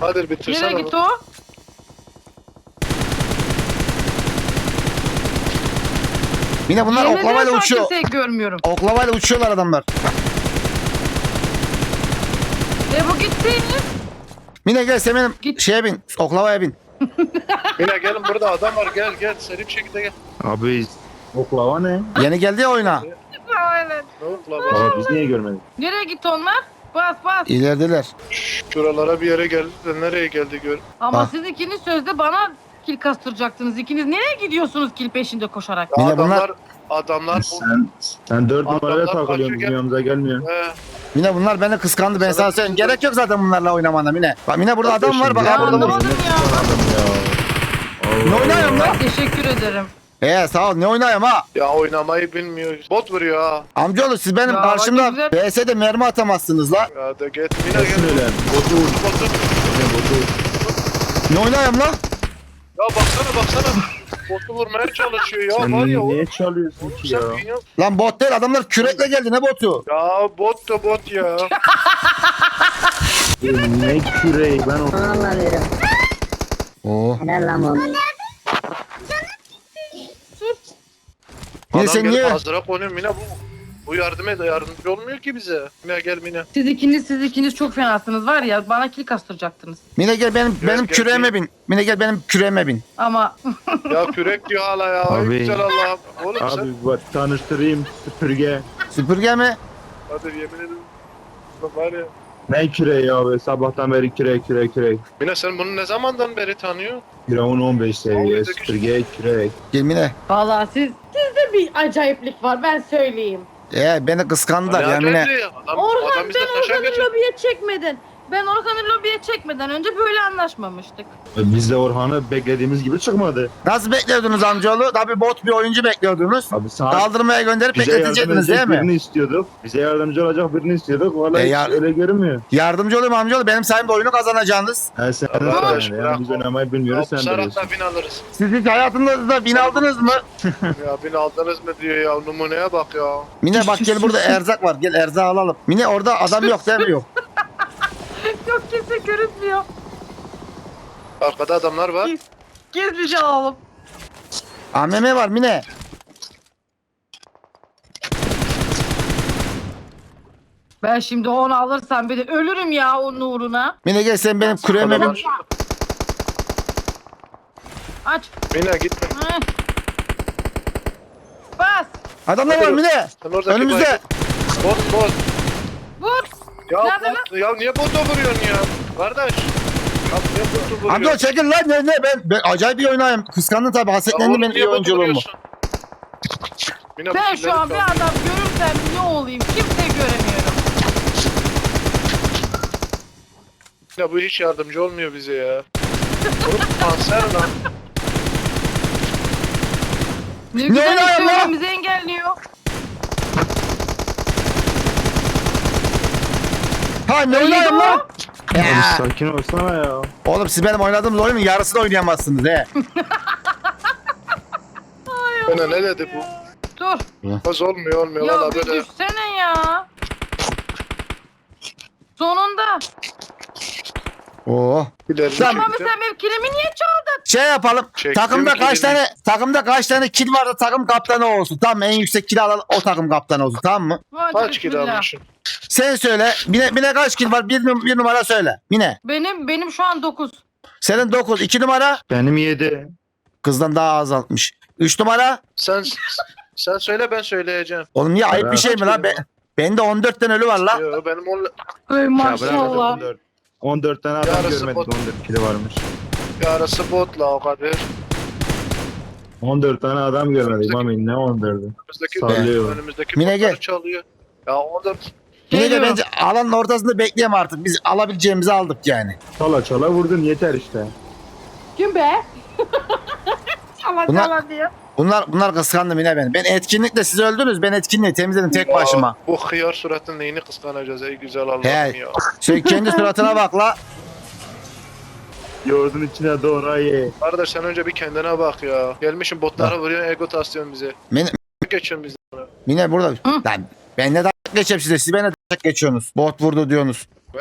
[SPEAKER 2] Hadi bitirsene.
[SPEAKER 3] Nereye gitti o?
[SPEAKER 1] Mine bunlar
[SPEAKER 3] Yemin ederim
[SPEAKER 1] oklavayla
[SPEAKER 3] şu an
[SPEAKER 1] uçuyor.
[SPEAKER 3] kimseyi görmüyorum.
[SPEAKER 1] Oklavayla uçuyorlar adamlar.
[SPEAKER 3] Bu gitti.
[SPEAKER 1] Mine gel sen benim
[SPEAKER 3] Git.
[SPEAKER 1] şeye bin. Oklavaya bin.
[SPEAKER 2] Mine gelin burada adam var gel seri bir şekilde gel.
[SPEAKER 4] Abi oklava ne?
[SPEAKER 1] Yeni geldi ya oyuna.
[SPEAKER 3] Aynen.
[SPEAKER 2] Ne oldu la?
[SPEAKER 4] Abi biz niye görmedik?
[SPEAKER 3] Nereye gitti onlar? Bas bas.
[SPEAKER 1] İlerideler.
[SPEAKER 2] Şuralara bir yere geldi de nereye geldi gör.
[SPEAKER 3] Ama
[SPEAKER 1] Bak.
[SPEAKER 3] siz ikiniz sözde bana kil kastıracaktınız. İkiniz nereye gidiyorsunuz kil peşinde koşarak?
[SPEAKER 2] Ya
[SPEAKER 1] Mine bunlar-
[SPEAKER 2] adamlar
[SPEAKER 4] Sen 4 numaraya
[SPEAKER 2] Adamlar
[SPEAKER 4] takılıyorsun
[SPEAKER 2] kaçıyor,
[SPEAKER 4] bizim yanımıza gelmiyor.
[SPEAKER 1] Mine bunlar beni kıskandı. Ben sana söyleyeyim. Gerek yok zaten bunlarla oynamana Mine. Bak Mine burada adam var. Bak
[SPEAKER 3] Ya
[SPEAKER 1] ha burada vur.
[SPEAKER 3] anlamadım ya.
[SPEAKER 1] Ne oynuyorum lan?
[SPEAKER 3] Ay, teşekkür ederim.
[SPEAKER 1] Sağ ol. Ne oynuyorum ha?
[SPEAKER 2] ya oynamayı bilmiyor. Bot vuruyor ha.
[SPEAKER 1] Amcaoğlu siz benim
[SPEAKER 3] Ya,
[SPEAKER 1] karşımda
[SPEAKER 3] bak
[SPEAKER 1] BS'de mermi atamazsınız la.
[SPEAKER 2] Ya da git Mine
[SPEAKER 4] Kesin
[SPEAKER 2] gel.
[SPEAKER 4] öyle. Botu vur.
[SPEAKER 2] Botu.
[SPEAKER 4] Botu vur.
[SPEAKER 1] Ne oynuyorum la?
[SPEAKER 2] Ya baksana. Botu vurmaya çalışıyor ya
[SPEAKER 4] Sen
[SPEAKER 2] var ya.
[SPEAKER 4] niye çalıyorsun
[SPEAKER 2] Oğlum
[SPEAKER 4] ki
[SPEAKER 2] sen
[SPEAKER 4] ya?
[SPEAKER 2] dünya-
[SPEAKER 1] Lan bot değil. Adamlar kürekle geldi. Ne botu?
[SPEAKER 2] Ya bot da bot ya.
[SPEAKER 4] Ne küreği ben o...
[SPEAKER 5] Anlamıyorum.
[SPEAKER 1] Oo.
[SPEAKER 5] Helal lan oğlum.
[SPEAKER 1] Mine
[SPEAKER 2] Adam
[SPEAKER 1] sen
[SPEAKER 2] gelip
[SPEAKER 1] niye?
[SPEAKER 2] hazıra konuyor Mine bu yardımcı olmuyor ki bize. Mine gel Mine.
[SPEAKER 3] Siz ikiniz çok fenasınız var ya. Bana kil kastıracaktınız.
[SPEAKER 1] Mine gel benim
[SPEAKER 2] gel,
[SPEAKER 1] küreğime
[SPEAKER 2] gel.
[SPEAKER 1] bin. Mine gel benim küreğime bin.
[SPEAKER 3] Ama
[SPEAKER 2] Ya kürek diyor hala ya. Ay
[SPEAKER 4] Abi.
[SPEAKER 2] güzel Allah'ım. Oğlum sen.
[SPEAKER 4] Abi bak tanıştırayım süpürge.
[SPEAKER 1] Süpürge mi?
[SPEAKER 2] Hadi yemin ederim. Bak var ya.
[SPEAKER 4] Ne küreği abi sabahtan beri kürek.
[SPEAKER 2] Mine sen bunu ne zamandan beri tanıyor?
[SPEAKER 4] Firavun 15 seviye
[SPEAKER 2] Abi,
[SPEAKER 4] süpürge kürek.
[SPEAKER 1] Gel Mine.
[SPEAKER 3] vallahi sizde bir acayiplik var ben söyleyeyim.
[SPEAKER 1] Beni kıskandılar ya
[SPEAKER 2] Acayip
[SPEAKER 1] Mine.
[SPEAKER 2] değil. Adam
[SPEAKER 3] Orhan
[SPEAKER 2] bizde
[SPEAKER 3] ben
[SPEAKER 2] taşa
[SPEAKER 3] Orhan'ı
[SPEAKER 2] geçiyor.
[SPEAKER 3] lobiye çekmedin. Ben Orhan'ı lobiye çekmeden önce böyle anlaşmamıştık.
[SPEAKER 4] Biz de Orhan'ı beklediğimiz gibi çıkmadı.
[SPEAKER 1] Nasıl bekliyordunuz amcaoğlu? Tabii bot bir oyuncu bekliyordunuz.
[SPEAKER 4] Abi sana
[SPEAKER 1] Kaldırmaya gönderip
[SPEAKER 4] bize yardım
[SPEAKER 1] bekletecektiniz değil
[SPEAKER 4] edecek
[SPEAKER 1] mi?
[SPEAKER 4] birini istiyorduk. Bize yardımcı olacak birini istiyorduk. Vallahi hiç
[SPEAKER 1] yar-
[SPEAKER 4] öyle görünmüyor.
[SPEAKER 1] Yardımcı olayım amcaoğlu. Benim sayemde oyunu kazanacaksınız.
[SPEAKER 4] Sen
[SPEAKER 2] Arkadaş,
[SPEAKER 4] de
[SPEAKER 2] bırak
[SPEAKER 4] yani biz
[SPEAKER 2] o.
[SPEAKER 4] oynamayı bilmiyoruz sen biliyorsun.
[SPEAKER 2] Saratla bin alırız.
[SPEAKER 1] Siz hiç hayatınızda bin aldınız mı?
[SPEAKER 2] Ya bin aldınız mı diyor ya numuneye bak ya.
[SPEAKER 1] Mine bak gel burada erzak var. Gel erzağı alalım. Mine orada adam yok değil mi? Yok.
[SPEAKER 3] Yok kimse görünmüyor.
[SPEAKER 2] Arkada adamlar var.
[SPEAKER 3] Gizlice alalım.
[SPEAKER 1] AMM var Mine.
[SPEAKER 3] Ben şimdi onu alırsam bir de ölürüm ya onun uğruna.
[SPEAKER 1] Mine gel sen benim küreğime bin.
[SPEAKER 2] Adamlar-
[SPEAKER 3] Aç.
[SPEAKER 2] Mine gitme.
[SPEAKER 3] Heh. Bas.
[SPEAKER 1] Adamlar var Mine.
[SPEAKER 2] Sen oradaki
[SPEAKER 1] Önümüzde.
[SPEAKER 2] Bot.
[SPEAKER 3] Vur.
[SPEAKER 2] Ya
[SPEAKER 3] Nerede
[SPEAKER 2] bot. Ya niye bota vuruyorsun ya? Kardeş. Ya niye botu vuruyorsun?
[SPEAKER 1] Amca çekil lan ne ben acayip bir oynayayım. Kıskandın tabii
[SPEAKER 2] Ya
[SPEAKER 1] hasetlendin
[SPEAKER 2] oğlum,
[SPEAKER 1] benim
[SPEAKER 2] niye
[SPEAKER 1] iyi
[SPEAKER 2] botu
[SPEAKER 1] oyunculuğumu.
[SPEAKER 2] vuruyorsun? Mine, bu
[SPEAKER 3] Ben
[SPEAKER 2] killeri
[SPEAKER 3] şu an bir
[SPEAKER 2] çal.
[SPEAKER 3] adam görürsem ne olayım kimse göremiyorum.
[SPEAKER 2] Ya bu hiç yardımcı olmuyor bize ya. Oğlum kanser lan.
[SPEAKER 3] Ne güzel
[SPEAKER 1] oluyor
[SPEAKER 3] işte
[SPEAKER 1] lan?
[SPEAKER 3] önümüzü engelliyor.
[SPEAKER 1] Ha ne
[SPEAKER 3] İyi
[SPEAKER 1] oynayayım
[SPEAKER 3] de o.
[SPEAKER 1] lan?
[SPEAKER 4] Abi
[SPEAKER 1] Ya.
[SPEAKER 4] sakin olsana ya.
[SPEAKER 1] Oğlum siz benim oynadığım oyunun yarısını oynayamazsınız he.
[SPEAKER 2] Bana ne dedi bu?
[SPEAKER 3] Dur.
[SPEAKER 2] Az olmuyor
[SPEAKER 3] Ya
[SPEAKER 2] valla
[SPEAKER 3] bir
[SPEAKER 2] böyle.
[SPEAKER 3] düşsene ya. Sonunda.
[SPEAKER 1] Oo.
[SPEAKER 2] İleri
[SPEAKER 1] Tamam,
[SPEAKER 3] Ama sen benim kilimi niye çaldın?
[SPEAKER 1] Şey yapalım.
[SPEAKER 2] Çektim
[SPEAKER 1] Takımda kaç tane kil varsa takım kaptanı olsun. Tamam mı? En yüksek kil alan o takım kaptanı olsun. Tamam mı?
[SPEAKER 3] Hadi
[SPEAKER 2] Kaç kilo
[SPEAKER 3] bismillah.
[SPEAKER 2] almışsın?
[SPEAKER 1] Sen söyle. Mine kaç kil var? Bir numara söyle. Mine.
[SPEAKER 3] Benim şu an 9.
[SPEAKER 1] Senin 9. 2 numara.
[SPEAKER 4] Benim 7.
[SPEAKER 1] Kızdan daha azaltmış. 3 numara.
[SPEAKER 2] Sen söyle ben söyleyeceğim.
[SPEAKER 1] Oğlum niye ayıp bir şey mi lan? Bende 14 tane ölü var la.
[SPEAKER 2] Yo, benim on,
[SPEAKER 3] Ay maşallah.
[SPEAKER 4] 14 tane adam
[SPEAKER 2] Yarısı
[SPEAKER 4] görmedik
[SPEAKER 2] bot.
[SPEAKER 4] 14 kilo varmış.
[SPEAKER 2] yarısı botla o kadar.
[SPEAKER 4] 14 tane adam görmedik Mami ne 14'ü.
[SPEAKER 2] Önümüzdeki,
[SPEAKER 4] Sallıyor.
[SPEAKER 2] önümüzdeki
[SPEAKER 1] Mine
[SPEAKER 2] botları
[SPEAKER 1] gel.
[SPEAKER 2] çalıyor. Ya onda
[SPEAKER 1] Mine de
[SPEAKER 3] Geliyorum.
[SPEAKER 1] bence alanın ortasında bekleyem artık. Biz alabileceğimizi aldık yani.
[SPEAKER 4] Çala vurdun yeter işte.
[SPEAKER 3] Kim be? Allah
[SPEAKER 1] Bunlar-
[SPEAKER 3] Allah diyor.
[SPEAKER 1] Bunlar kıskandı Mine beni. Ben etkinlikle siz öldünüz. Ben etkinliği temizledim tek başıma.
[SPEAKER 2] Ya, bu hıyar suratın neyini kıskanacağız ey güzel Allah'ım
[SPEAKER 1] He.
[SPEAKER 2] ya.
[SPEAKER 1] Sen kendi suratına bak la.
[SPEAKER 4] Yoğurdun içine doğru ye.
[SPEAKER 2] Kardeş sen önce bir kendine bak ya. Gelmişim botlara vuruyorsun ego taslıyorsun bize.
[SPEAKER 1] Mine,
[SPEAKER 2] Geçiyorsun bize.
[SPEAKER 1] Mine burada. Lan ben ne dalga geçeyim size. Siz bana dalga geçiyorsunuz. Bot vurdu diyorsunuz.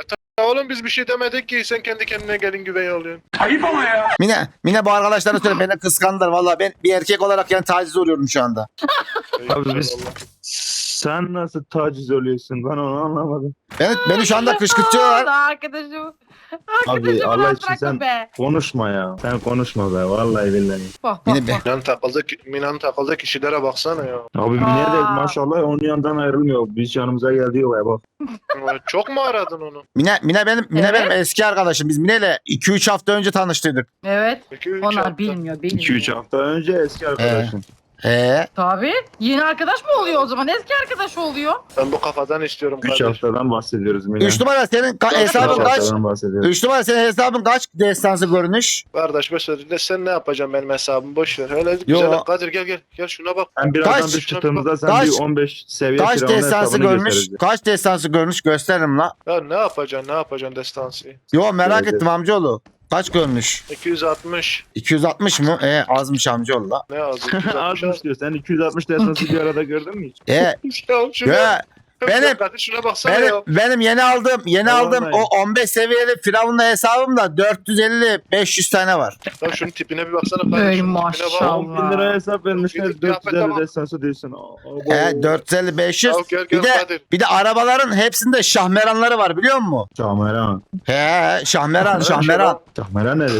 [SPEAKER 2] Oğlum biz bir şey demedik ki sen kendi kendine gelin güvey oluyorsun.
[SPEAKER 1] Mine bu arkadaşlarına söyle beni kıskandılar. Vallahi ben bir erkek olarak yani taciz oluyorum şu anda.
[SPEAKER 4] Abi biz sen nasıl taciz oluyorsun? Ben onu anlamadım.
[SPEAKER 1] Beni şu anda kışkırtıyorlar.
[SPEAKER 3] Arkadaşım.
[SPEAKER 4] Abi
[SPEAKER 3] Arkadaşım
[SPEAKER 4] Allah
[SPEAKER 3] rahat
[SPEAKER 4] için
[SPEAKER 3] bırakın
[SPEAKER 4] sen
[SPEAKER 3] be.
[SPEAKER 4] konuşma ya. Sen konuşma be vallahi billahi.
[SPEAKER 3] Bak
[SPEAKER 1] Mine
[SPEAKER 3] bak
[SPEAKER 1] be.
[SPEAKER 3] bak.
[SPEAKER 2] Mina'nın takıldığı kişilere baksana ya.
[SPEAKER 4] Abi Mine de
[SPEAKER 3] Aa.
[SPEAKER 4] maşallah onun yanından ayrılmıyor. Biz yanımıza geldi ya bak.
[SPEAKER 2] Çok mu aradın onu?
[SPEAKER 1] Mine benim
[SPEAKER 3] Evet.
[SPEAKER 1] eski arkadaşım. Biz Mine'yle 2-3 hafta önce tanıştıydık.
[SPEAKER 3] Evet.
[SPEAKER 2] Peki, üç
[SPEAKER 3] Onlar
[SPEAKER 2] hafta.
[SPEAKER 3] bilmiyor.
[SPEAKER 4] 2-3 hafta önce eski arkadaşım.
[SPEAKER 3] Tabii. Yeni arkadaş mı oluyor o zaman? Eski arkadaş oluyor.
[SPEAKER 2] Ben bu kafadan istiyorum
[SPEAKER 4] 3
[SPEAKER 2] kardeşim.
[SPEAKER 4] haftadan bahsediyoruz Mine.
[SPEAKER 1] 3 numara senin
[SPEAKER 3] Üç
[SPEAKER 1] hesabın kaç?
[SPEAKER 4] haftadan bahsediyoruz.
[SPEAKER 1] 3 numara senin hesabın kaç destansı görünüş?
[SPEAKER 2] Kardeş mesela sen ne yapacaksın benim hesabımı boş ver. Öyle
[SPEAKER 1] Yo.
[SPEAKER 2] güzel. Kadir gel. Gel şuna bak.
[SPEAKER 4] Ben birazdan
[SPEAKER 1] Kaç?
[SPEAKER 4] biz çıktığımızda sen
[SPEAKER 1] Kaç?
[SPEAKER 4] bir 15 seviye
[SPEAKER 1] Kaç
[SPEAKER 4] firavun
[SPEAKER 1] destansı
[SPEAKER 4] hesabını
[SPEAKER 1] görmüş?
[SPEAKER 4] göstereceğiz.
[SPEAKER 1] Kaç destansı görmüş gösteririm la.
[SPEAKER 2] Ya ne yapacaksın destansı?
[SPEAKER 1] Yo merak
[SPEAKER 4] Evet,
[SPEAKER 1] ettim amcaoğlu. Kaç görmüş?
[SPEAKER 2] 260.
[SPEAKER 1] 260 mı? Azmış amcaoğlu la.
[SPEAKER 2] Ne az? 260
[SPEAKER 4] Azmış diyor. Sen 260 destansı bir arada gördün mü hiç?
[SPEAKER 2] Ya şuna.
[SPEAKER 1] Ya benim
[SPEAKER 2] Kadir şuna baksana ya.
[SPEAKER 1] benim yeni aldığım
[SPEAKER 4] Vallahi.
[SPEAKER 1] o 15 seviyeli firavunla hesabımda 450-500 tane var.
[SPEAKER 2] Ya şunun tipine bir baksana kardeşim.
[SPEAKER 3] Ey
[SPEAKER 2] Tipine bak.
[SPEAKER 3] maşallah.
[SPEAKER 4] 10 bin lira hesap vermişler.
[SPEAKER 2] Gidip kıyafete
[SPEAKER 4] 450
[SPEAKER 2] bak.
[SPEAKER 4] destansı diyorsun.
[SPEAKER 1] 450-500.
[SPEAKER 2] Ya gel
[SPEAKER 1] Bir de
[SPEAKER 2] Kadir.
[SPEAKER 1] bir de arabaların hepsinde şahmeranları var biliyor musun?
[SPEAKER 4] Şahmeran.
[SPEAKER 1] Şahmeran.
[SPEAKER 4] Şahmeran nedir?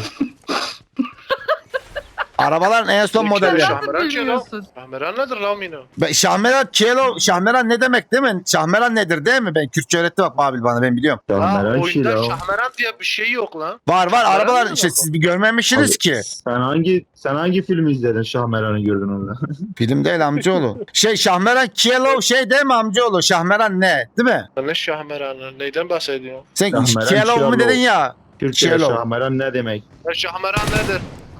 [SPEAKER 1] Arabaların en son
[SPEAKER 2] Peki,
[SPEAKER 1] modelleri.
[SPEAKER 2] Şahmeran
[SPEAKER 3] Nasıl
[SPEAKER 2] kim
[SPEAKER 3] bilmiyorsun?
[SPEAKER 2] Şahmeran nedir lan Mino?
[SPEAKER 1] Şahmeran ne demek değil mi? Şahmeran nedir değil mi? Ben Kürtçe öğretti bak Babil bana ben biliyorum.
[SPEAKER 4] Şahmeran şey
[SPEAKER 2] Oyunda
[SPEAKER 4] ya.
[SPEAKER 2] Şahmeran diye bir şey yok lan.
[SPEAKER 1] Var
[SPEAKER 2] Şahmeran
[SPEAKER 1] arabalar
[SPEAKER 2] ne
[SPEAKER 1] işte
[SPEAKER 2] demek o?
[SPEAKER 1] siz bir görmemişsiniz
[SPEAKER 4] Abi,
[SPEAKER 1] ki.
[SPEAKER 4] Sen hangi filmi izledin Şahmeran'ı gördün orada?
[SPEAKER 1] Film değil amcaoğlu. Şahmeran Kielo değil mi amcaoğlu? Şahmeran ne? Değil mi?
[SPEAKER 2] Ne Şahmeran'ı? Neyden bahsediyorsun?
[SPEAKER 1] Sen
[SPEAKER 4] Şahmeran
[SPEAKER 1] Kielo mu
[SPEAKER 4] Kielo.
[SPEAKER 1] dedin ya?
[SPEAKER 4] Türkçe'de
[SPEAKER 1] Şelo.
[SPEAKER 4] Şahmeran ne demek?
[SPEAKER 2] Ya Şahmeran nedir?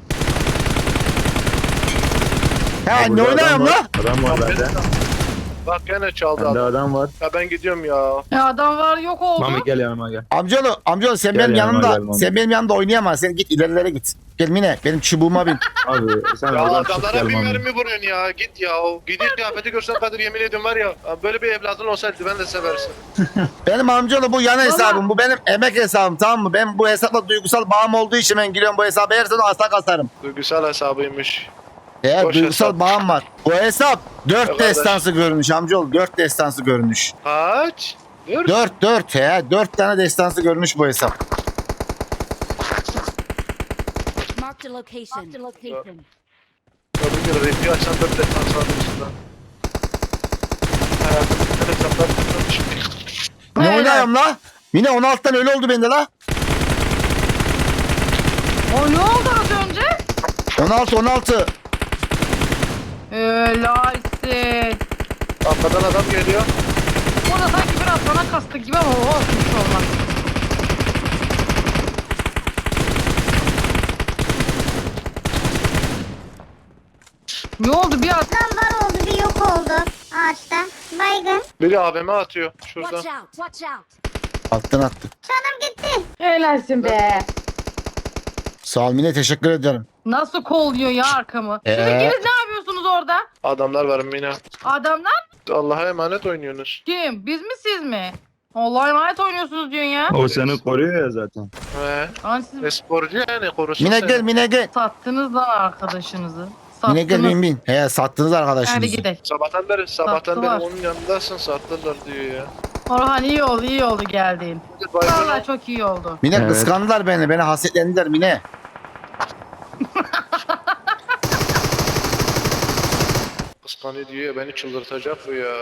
[SPEAKER 1] Ha ne
[SPEAKER 4] Burada
[SPEAKER 1] oynayayım
[SPEAKER 4] adam
[SPEAKER 1] la?
[SPEAKER 4] var. Adam var bende.
[SPEAKER 2] Bak gene çaldı
[SPEAKER 4] Bende
[SPEAKER 2] adam.
[SPEAKER 4] adam var.
[SPEAKER 2] Ya ben gidiyorum ya.
[SPEAKER 3] Adam var yok oldu.
[SPEAKER 4] Mami gel yanıma gel.
[SPEAKER 1] Amcaoğlu sen
[SPEAKER 4] Gel
[SPEAKER 1] benim
[SPEAKER 4] yanıma,
[SPEAKER 1] yanımda
[SPEAKER 4] gel Mami.
[SPEAKER 1] sen benim yanımda oynayamazsın. Sen git ilerilere git. Gel Mine benim çubuğuma bin.
[SPEAKER 4] Abi sen
[SPEAKER 2] Ya
[SPEAKER 4] oradan çık
[SPEAKER 2] adamlara
[SPEAKER 4] gel
[SPEAKER 2] bir
[SPEAKER 4] Mami.
[SPEAKER 2] mermi vuruyorsun ya. Git ya. Gidip kıyafeti görsen Kadir yemin ediyorum var ya. Böyle bir evladın olsaydı ben de seversin.
[SPEAKER 1] Benim amcaoğlu bu yan hesabım. Bu benim emek hesabım tamam mı? Ben bu hesapla duygusal bağım olduğu için ben giriyorum bu hesaba. Her sene asla kasarım.
[SPEAKER 2] Duygusal hesabıymış.
[SPEAKER 1] Eğer
[SPEAKER 2] Boş
[SPEAKER 1] duygusal
[SPEAKER 2] hesap.
[SPEAKER 1] bağım var. Bu hesap 4
[SPEAKER 2] Arkadaş.
[SPEAKER 1] destansı görünüş amcaoğlu. 4 destansı görünüş.
[SPEAKER 2] Kaç? Dur.
[SPEAKER 1] 4 4 tane destansı görünüş bu hesap.
[SPEAKER 5] Marked a location. Marked a location.
[SPEAKER 2] Kadın gibi refi açan 4 defans aldı üstünden. Hayatımda bir tane hesaplar tutmamış.
[SPEAKER 1] Ne
[SPEAKER 3] Evet.
[SPEAKER 1] oynayayım la? Mine 16'dan öyle oldu bende la.
[SPEAKER 3] O ne oldu az önce?
[SPEAKER 1] 16.
[SPEAKER 3] Helalsin.
[SPEAKER 2] Arkadan adam geliyor.
[SPEAKER 3] O da sanki biraz bana kastı gibi ama o olsun hiç olmaz. Ne oldu bir at?
[SPEAKER 6] Var oldu bir yok oldu ağaçta. Baygın.
[SPEAKER 2] Biri AVM atıyor
[SPEAKER 5] Watch
[SPEAKER 2] şuradan.
[SPEAKER 5] out. Watch out.
[SPEAKER 1] Attın attın.
[SPEAKER 6] Canım gitti.
[SPEAKER 3] Helalsin be.
[SPEAKER 1] Sağ ol Mine teşekkür ederim.
[SPEAKER 3] Nasıl kolluyor ya arkamı? Siz ikiniz ne yapıyorsunuz orada?
[SPEAKER 2] Adamlar var Mina.
[SPEAKER 3] Adamlar
[SPEAKER 2] Allah'a emanet oynuyorsunuz.
[SPEAKER 3] kim? Biz mi siz mi? Allah'a emanet oynuyorsunuz diyorsun ya.
[SPEAKER 4] O seni koruyor ya zaten.
[SPEAKER 2] He.
[SPEAKER 3] Lan siz
[SPEAKER 2] Esporcu yani korusun
[SPEAKER 1] Mine
[SPEAKER 2] seni.
[SPEAKER 1] gel Mine gel.
[SPEAKER 3] sattınız lan arkadaşınızı.
[SPEAKER 1] Mine gel
[SPEAKER 3] Sattınız.
[SPEAKER 1] bin. He sattınız
[SPEAKER 3] Hadi
[SPEAKER 1] arkadaşınızı.
[SPEAKER 3] gidelim.
[SPEAKER 2] Sabahtan beri
[SPEAKER 3] Sattılar.
[SPEAKER 2] onun yanındasın sattılar diyor ya.
[SPEAKER 3] Orhan iyi oldu geldiğin.
[SPEAKER 2] Baygın
[SPEAKER 3] Vallahi çok iyi oldu.
[SPEAKER 1] Mine
[SPEAKER 4] Evet.
[SPEAKER 1] kıskandılar beni. Beni hasetlendiler Mine.
[SPEAKER 2] kıskanıyor diyor ya beni çıldırtacak bu ya.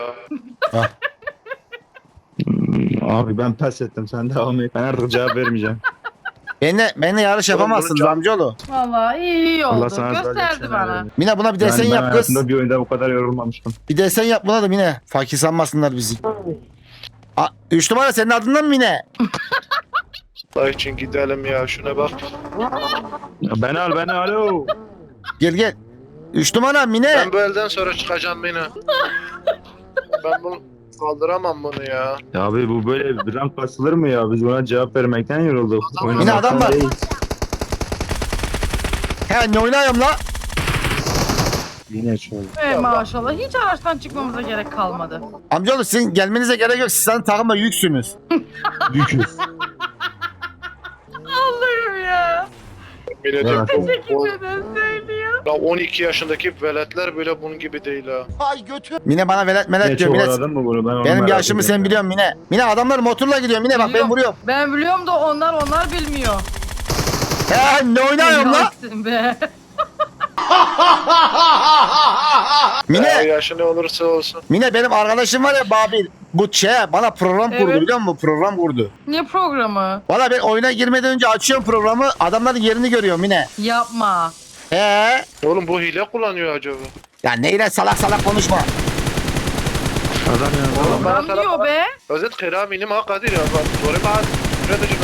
[SPEAKER 4] Abi ben pes ettim sen devam et. Ben artık cevap vermeyeceğim.
[SPEAKER 1] Benimle yarış
[SPEAKER 2] Oğlum,
[SPEAKER 1] yapamazsınız
[SPEAKER 2] bunu
[SPEAKER 1] amcaoğlu.
[SPEAKER 3] Vallahi iyi oldu.
[SPEAKER 4] Allah sana
[SPEAKER 3] Gösterdi bana.
[SPEAKER 1] Mine buna bir desen
[SPEAKER 4] ben
[SPEAKER 1] yap kız.
[SPEAKER 4] hayatımda bir oyunda bu kadar yorulmamıştım.
[SPEAKER 1] Bir desen yap buna da Mine. Fakir sanmasınlar bizi. 3 numara senin adından mı Mine?
[SPEAKER 2] Allah için gidelim ya şuna bak.
[SPEAKER 4] Ya beni al alo.
[SPEAKER 1] Gel. 3 numara Mine.
[SPEAKER 2] Ben bu elden sonra çıkacağım beni. Ben bunu kaldıramam bunu ya.
[SPEAKER 4] Ya abi bu böyle bir rank basılır mı ya? Biz buna cevap vermekten yorulduk.
[SPEAKER 2] Adam-
[SPEAKER 1] Yine adam var.
[SPEAKER 4] Değil.
[SPEAKER 1] He ne oynayayım la?
[SPEAKER 4] Yine şöyle.
[SPEAKER 3] Maşallah hiç araçtan çıkmamıza gerek kalmadı.
[SPEAKER 1] Amcaoğlu sizin gelmenize gerek yok. Siz zaten takımda yüksünüz.
[SPEAKER 4] Yüküz.
[SPEAKER 2] Milletim
[SPEAKER 4] Evet.
[SPEAKER 2] bu
[SPEAKER 3] Neden söylüyor?
[SPEAKER 2] ya 12 yaşındaki veletler bile bunun gibi değil ha.
[SPEAKER 1] Mine bana velet melet
[SPEAKER 4] Ne
[SPEAKER 1] diyor.
[SPEAKER 4] çok
[SPEAKER 1] Mine,
[SPEAKER 4] aradın mı bunu? Ben onu
[SPEAKER 1] benim
[SPEAKER 4] merak
[SPEAKER 1] yaşımı sen
[SPEAKER 4] ediyorum.
[SPEAKER 1] biliyorsun Mine. Mine adamlar motorla gidiyor Mine bak ben
[SPEAKER 3] Biliyorum.
[SPEAKER 1] vuruyorum.
[SPEAKER 3] Ben biliyorum da onlar bilmiyor.
[SPEAKER 1] He ne oynuyorum la?
[SPEAKER 3] Yaksın be.
[SPEAKER 2] Ya
[SPEAKER 1] Mine,
[SPEAKER 2] yaşı ne olursa olsun.
[SPEAKER 1] Mine benim arkadaşım var ya Babil. Bu bana program kurdu
[SPEAKER 3] Evet.
[SPEAKER 1] biliyor musun? Program kurdu.
[SPEAKER 3] Ne programı?
[SPEAKER 1] Valla ben oyuna girmeden önce açıyorum programı. Adamların yerini görüyorum Mine.
[SPEAKER 3] Yapma.
[SPEAKER 1] He.
[SPEAKER 2] Oğlum bu hile kullanıyor acaba.
[SPEAKER 1] Ya neyle salak salak konuşma.
[SPEAKER 4] Adam ya.
[SPEAKER 2] Oğlum bana
[SPEAKER 3] Adam diyor be.
[SPEAKER 2] Özet kıraminim ha Kadir ya. Bak doğru mu? Üreteceğim.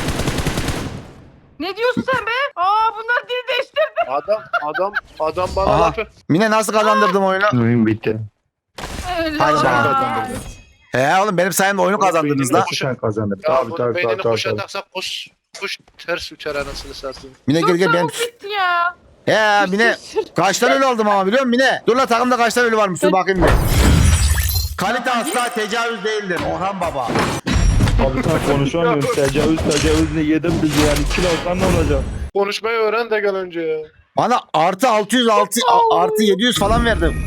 [SPEAKER 3] Ne diyorsun sen be? Aa bunlar dil değiştirdi.
[SPEAKER 2] Adam bana
[SPEAKER 1] Aha.
[SPEAKER 2] lafı.
[SPEAKER 1] Mine nasıl kazandırdım oyunu?
[SPEAKER 4] Oyun bitti.
[SPEAKER 3] Öyle
[SPEAKER 1] Hadi
[SPEAKER 3] olmaz.
[SPEAKER 1] bakalım. He oğlum benim sayemde oyunu kazandınız la.
[SPEAKER 4] Sen kazandın.
[SPEAKER 2] Ya
[SPEAKER 4] Tabii
[SPEAKER 2] bunun
[SPEAKER 4] tabii
[SPEAKER 2] beynini
[SPEAKER 4] tabii.
[SPEAKER 2] kuşa
[SPEAKER 4] tabii.
[SPEAKER 2] taksak kuş ters uçar anasını satayım.
[SPEAKER 1] Mine gel gel benim.
[SPEAKER 3] Çabuk bitti ya.
[SPEAKER 1] He Mine kaç tane ölü aldım ama biliyor musun Mine? Dur la takımda kaç tane ölü varmış dur bakayım bir. Kalite asla tecavüz değildir Orhan Baba.
[SPEAKER 4] Abi sen konuşamıyorsun. Tecavüzle yedim bizi yani. Kilo alsan ne olacak?
[SPEAKER 2] Konuşmayı öğren de gel önce ya.
[SPEAKER 1] Bana artı 606 artı 700 falan verdim.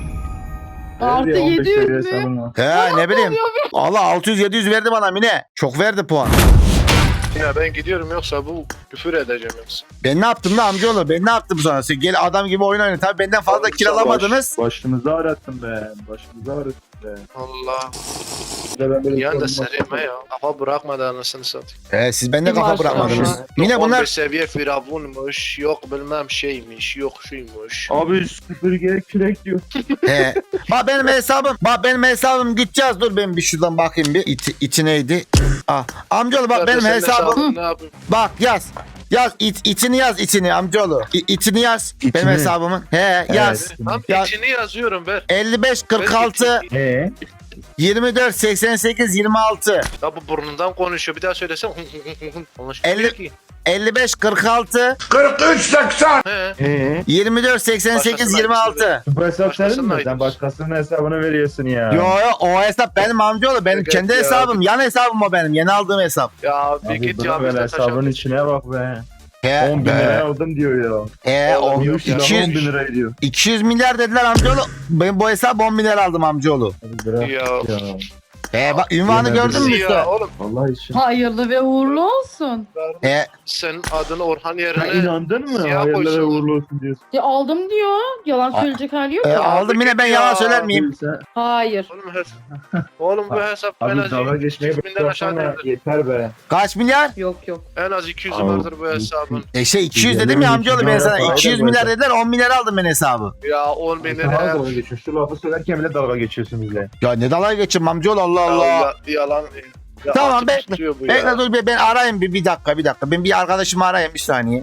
[SPEAKER 3] Artı
[SPEAKER 4] Verdi, 15
[SPEAKER 3] 700
[SPEAKER 4] seviye
[SPEAKER 3] mü?
[SPEAKER 4] savunma.
[SPEAKER 1] He ne bileyim. Allah 600-700 verdi bana Mine. Çok verdi puan.
[SPEAKER 2] Ya ben gidiyorum yoksa bu küfür edeceğim yoksa.
[SPEAKER 1] Ben ne yaptım da amcaoğlu? Ben ne yaptım sonra? Siz gel adam gibi oyun oynayın. Tabii benden fazla
[SPEAKER 2] Oğlum,
[SPEAKER 1] kill alamadınız.
[SPEAKER 4] Başımızı ağrıttın be. Başımızı ağrıttın be.
[SPEAKER 2] Allah.
[SPEAKER 4] Bir de ben böyle
[SPEAKER 2] Yan da
[SPEAKER 4] sorun
[SPEAKER 2] sereyim
[SPEAKER 4] var.
[SPEAKER 2] ya. Kafa bırakmadı anasını satayım.
[SPEAKER 1] Siz bende kafa
[SPEAKER 3] Maşallah.
[SPEAKER 1] bırakmadınız.
[SPEAKER 2] Yok
[SPEAKER 1] Mine
[SPEAKER 2] 15
[SPEAKER 1] bunlar...
[SPEAKER 2] seviye firavunmuş. Yok bilmem şeymiş. Yok şuymuş.
[SPEAKER 4] Abi süpürgeye kürek diyor.
[SPEAKER 1] He. Bak benim hesabım gideceğiz. Dur ben bir şuradan bakayım bir. İçi neydi? Ah. Amcaoğlu bak benim
[SPEAKER 2] Senin
[SPEAKER 1] hesabım.
[SPEAKER 2] Ne yapayım?
[SPEAKER 1] Bak yaz. Yaz içini yaz içini amcaoğlu. İçini yaz. Benim
[SPEAKER 4] İçini.
[SPEAKER 1] hesabımın. He yaz.
[SPEAKER 2] Tam
[SPEAKER 1] Ya-
[SPEAKER 2] içini yazıyorum ver.
[SPEAKER 1] 55 46
[SPEAKER 4] Eee?
[SPEAKER 1] 24 88 26
[SPEAKER 2] Ya bu burnundan konuşuyor. Bir daha söylesem. Anlaşılmıyor
[SPEAKER 1] 50
[SPEAKER 2] ki.
[SPEAKER 1] 55 46
[SPEAKER 2] He.
[SPEAKER 1] 24 88
[SPEAKER 2] Başkasına
[SPEAKER 1] 26.
[SPEAKER 4] Bu hesap senin
[SPEAKER 2] Başkasının
[SPEAKER 4] mi?
[SPEAKER 2] ayıbı.
[SPEAKER 4] Sen başkasının hesabını veriyorsun ya.
[SPEAKER 1] Yo o hesap benim amcaoğlu. Benim
[SPEAKER 2] Evet
[SPEAKER 1] kendi
[SPEAKER 2] ya.
[SPEAKER 1] hesabım. Yan hesabım o benim. Yeni aldığım hesap.
[SPEAKER 2] Ya bir
[SPEAKER 4] Abi
[SPEAKER 2] git
[SPEAKER 4] bırak
[SPEAKER 2] ya
[SPEAKER 4] böyle
[SPEAKER 2] bizden
[SPEAKER 4] hesabın
[SPEAKER 2] taşak.
[SPEAKER 4] içine bak be.
[SPEAKER 1] He
[SPEAKER 4] 10 bin lira aldım diyor ya.
[SPEAKER 2] Oğlum yok ya.
[SPEAKER 1] 200,
[SPEAKER 4] 10 bin lira ediyor.
[SPEAKER 1] 200 milyar dediler amcaoğlu. Ben bu hesap 10 milyar aldım amcaoğlu.
[SPEAKER 4] Hadi bırak
[SPEAKER 2] Ya.
[SPEAKER 4] ya.
[SPEAKER 1] Bak ünvanı
[SPEAKER 4] Yemin
[SPEAKER 1] gördün mü
[SPEAKER 2] Ya
[SPEAKER 1] üstte?
[SPEAKER 2] oğlum
[SPEAKER 4] Vallahi işin.
[SPEAKER 3] Hayırlı ve uğurlu olsun.
[SPEAKER 2] senin adını Orhan
[SPEAKER 4] Sen
[SPEAKER 2] yerine
[SPEAKER 4] inandın mı?
[SPEAKER 2] Siyah
[SPEAKER 4] Hayırlı ve
[SPEAKER 2] koysun.
[SPEAKER 4] uğurlu olsun diyorsun.
[SPEAKER 3] Ya aldım diyor. Yalan
[SPEAKER 1] Aa,
[SPEAKER 3] söyleyecek hali yok ya.
[SPEAKER 1] Aldım yine ben
[SPEAKER 2] Ya.
[SPEAKER 1] yalan söyler miyim?
[SPEAKER 4] Sen,
[SPEAKER 3] Hayır.
[SPEAKER 2] Oğlum bu hesap en
[SPEAKER 4] abi
[SPEAKER 2] az
[SPEAKER 4] dalga geçmeye
[SPEAKER 2] 200.000'den aşağı
[SPEAKER 4] bıraksana
[SPEAKER 2] değildir.
[SPEAKER 4] yeter be.
[SPEAKER 1] Kaç milyar?
[SPEAKER 3] Yok yok.
[SPEAKER 2] En az 200
[SPEAKER 4] Abi,
[SPEAKER 2] vardır bu hesabın.
[SPEAKER 1] 200 dedim
[SPEAKER 4] Yemin
[SPEAKER 1] ya amcaoğlu ben
[SPEAKER 4] ediyorum,
[SPEAKER 1] sana.
[SPEAKER 4] para
[SPEAKER 1] 200
[SPEAKER 4] da
[SPEAKER 1] milyar
[SPEAKER 4] böyle.
[SPEAKER 1] dediler 10 milyar aldım ben hesabı.
[SPEAKER 2] Ya 10 bin
[SPEAKER 4] Sen hala
[SPEAKER 2] lira.
[SPEAKER 4] dalga geçiyorsun. Şu lafı söylerken bile dalga geçiyorsun bizle.
[SPEAKER 1] Ya ne dalga geçeyim amcaoğlu Allah Allah.
[SPEAKER 2] Yalan. Ya
[SPEAKER 1] Tamam,
[SPEAKER 2] artık
[SPEAKER 1] bekle.
[SPEAKER 2] tutuyor bu
[SPEAKER 1] Bekle
[SPEAKER 2] ya.
[SPEAKER 1] dur ben arayayım bir dakika. Ben bir arkadaşımı arayayım bir saniye.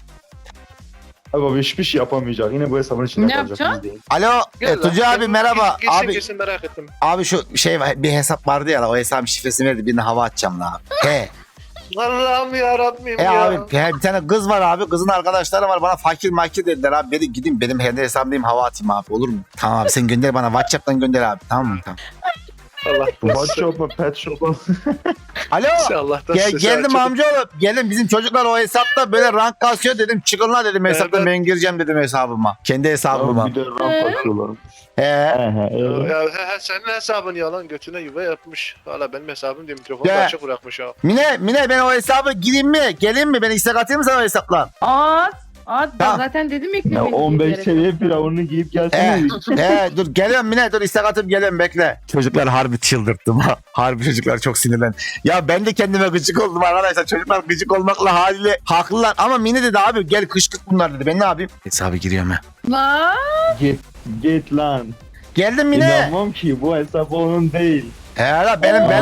[SPEAKER 4] Abi hiçbir şey yapamayacak. Yine bu hesabın içinde
[SPEAKER 3] Ne
[SPEAKER 4] kalacak.
[SPEAKER 3] yapacaksın?
[SPEAKER 4] biz değil.
[SPEAKER 1] Alo
[SPEAKER 2] Gel lan.
[SPEAKER 1] Tuncay abi merhaba.
[SPEAKER 2] Gitsin
[SPEAKER 1] Abi
[SPEAKER 2] gitsin merak ettim.
[SPEAKER 1] abi şu şey var bir hesap vardı ya o hesabın şifresini verdi birine hava atacağım la. He.
[SPEAKER 2] Allah'ım yarabbim ya.
[SPEAKER 1] Abi bir tane kız var abi kızın arkadaşları var bana fakir makir dediler abi beni gideyim benim kendi hesabımdayım hava atayım abi olur mu? Tamam abi sen gönder bana WhatsApp'tan gönder abi tamam mı? Tamam.
[SPEAKER 2] Allah
[SPEAKER 4] What shop mu? Pet shop mu?
[SPEAKER 1] Alo.
[SPEAKER 2] Allah'tan
[SPEAKER 1] Geldim amcaoğlu. Gelin bizim çocuklar o hesapta böyle rank kasıyor dedim. Çıkın la dedim hesaptan
[SPEAKER 2] Evet.
[SPEAKER 1] ben gireceğim dedim hesabıma. Kendi hesabıma.
[SPEAKER 4] Bir de ramp atıyorlar.
[SPEAKER 1] He.
[SPEAKER 2] Ya senin hesabın yalan götüne yuva yapmış. Hala benim hesabım diye mikrofonu
[SPEAKER 1] Ya.
[SPEAKER 2] açık bırakmış ha.
[SPEAKER 1] Mine ben o hesabı gireyim mi? Geleyim mi? Ben istek atayım mı sana o hesapla?
[SPEAKER 3] At. Ben
[SPEAKER 1] Tamam.
[SPEAKER 3] zaten dedim
[SPEAKER 4] Ya
[SPEAKER 3] eklemeni.
[SPEAKER 4] 15 seviye firavununu giyip gelsene.
[SPEAKER 1] Dur geliyorum Mine dur istek atıp geliyorum bekle. Çocuklar harbi çıldırttım ha. Harbi çocuklar çok sinirlen. Ya ben de kendime gıcık oldum arkadaşlar. Çocuklar gıcık olmakla haliyle haklılar. Ama Mine dedi abi gel kışkırt bunlar dedi. Ben ne yapayım? Hesabı giriyorum ha.
[SPEAKER 3] Lan.
[SPEAKER 4] Git lan.
[SPEAKER 1] Geldim Mine.
[SPEAKER 4] İnanmam ki bu hesap onun değil.
[SPEAKER 1] La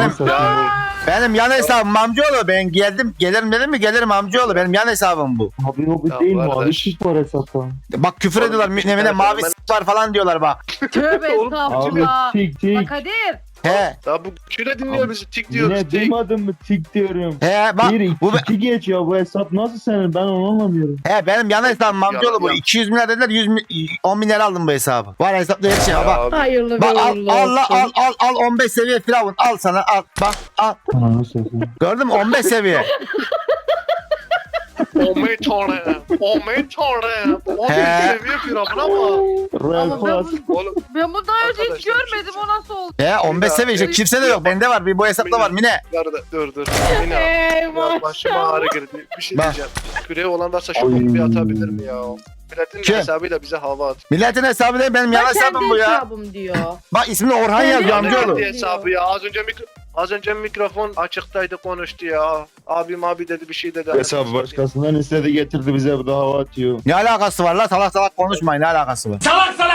[SPEAKER 1] benim yan hesabım amcaoğlu. Ben gelirim dedim mi gelirim amcaoğlu. Benim yan hesabım bu.
[SPEAKER 4] Abi o
[SPEAKER 2] Ya
[SPEAKER 4] değil
[SPEAKER 2] bu
[SPEAKER 4] mavi
[SPEAKER 2] arkadaş-
[SPEAKER 4] şık var hesapta.
[SPEAKER 1] Bak küfür
[SPEAKER 2] Oğlum,
[SPEAKER 1] ediyorlar.
[SPEAKER 2] bir
[SPEAKER 1] Mine
[SPEAKER 2] tane
[SPEAKER 1] mavi
[SPEAKER 2] fenomen-
[SPEAKER 1] s**k var falan diyorlar bak.
[SPEAKER 3] Tövbe
[SPEAKER 2] Oğlum,
[SPEAKER 4] Abi
[SPEAKER 3] estağfurullah.
[SPEAKER 4] tik tik.
[SPEAKER 3] Bak Kadir.
[SPEAKER 1] He.
[SPEAKER 2] Ya bu şöyle dinliyor bizi tik diyor.
[SPEAKER 4] Yine
[SPEAKER 2] Tik.
[SPEAKER 4] duymadın mı tik diyorum.
[SPEAKER 1] He bak.
[SPEAKER 4] Bir
[SPEAKER 1] Bu
[SPEAKER 4] iki geç ya bu hesap nasıl senin ben onu anlamıyorum.
[SPEAKER 1] He benim yan hesabım amcaoğlu bu.
[SPEAKER 2] Ya.
[SPEAKER 1] 200 milyar dediler 10 milyar aldım bu hesabı. Var hesapta her şey.
[SPEAKER 2] Ya
[SPEAKER 1] Bak.
[SPEAKER 2] abi,
[SPEAKER 3] Hayırlı ve
[SPEAKER 1] Bak
[SPEAKER 3] uğurlu olsun.
[SPEAKER 1] al 15 seviye firavun al sana al bak al
[SPEAKER 4] Ananı satayım.
[SPEAKER 1] gördün mü 15 seviye
[SPEAKER 2] Aman tanrım. Aman tanrım. Abi
[SPEAKER 1] He.
[SPEAKER 2] seviyor firavuna ama.
[SPEAKER 4] Royal
[SPEAKER 3] Ama ben,
[SPEAKER 4] Pass.
[SPEAKER 2] Oğlum
[SPEAKER 3] ben bunu daha önce hiç
[SPEAKER 2] Arkadaşlar,
[SPEAKER 3] görmedim. O nasıl oldu?
[SPEAKER 1] 15 seviye işte. Kimse de yok. Bende var. Bir bu hesapta var Mine.
[SPEAKER 2] dur. Yine
[SPEAKER 3] Eyvah.
[SPEAKER 2] başıma ağrı girdi. Bir şey
[SPEAKER 1] Bak.
[SPEAKER 2] diyeceğim. Küreği olan varsa şu
[SPEAKER 4] Oy.
[SPEAKER 2] boku bir atabilir mi ya? Milletin
[SPEAKER 1] Kim?
[SPEAKER 2] hesabıyla bize hava at.
[SPEAKER 1] Milletin hesabı değil. Benim yan hesabım bu ya.
[SPEAKER 3] hesabım diyor.
[SPEAKER 1] Bak ismini Orhan yazıyor
[SPEAKER 3] Kendi
[SPEAKER 1] amcaoğlu.
[SPEAKER 2] Kendi hesabı ya. Az önce mikrofon açıktaydı konuştu ya. Abim abi dedi bir şey dedi.
[SPEAKER 4] Hesabı başkasından istedi getirdi bize bu da hava atıyor.
[SPEAKER 1] Ne alakası var la? Salak salak konuşmayın. Ne alakası var?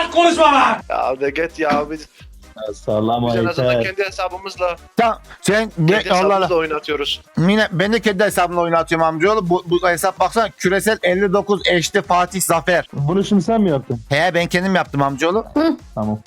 [SPEAKER 2] Ya de git ya biz
[SPEAKER 4] Sallama
[SPEAKER 2] en azından
[SPEAKER 4] yeter.
[SPEAKER 2] kendi hesabımızla
[SPEAKER 1] Tamam. Sen
[SPEAKER 2] kendi
[SPEAKER 1] Allah Allah.
[SPEAKER 2] hesabımızla oynatıyoruz.
[SPEAKER 1] Mine ben de kendi hesabımla oynatıyorum amcaoğlu. Bu hesap baksana. Küresel 59 eşli Fatih Zafer.
[SPEAKER 4] Bunu şimdi sen mi yaptın?
[SPEAKER 1] He ben kendim yaptım amcaoğlu.
[SPEAKER 4] Tamam.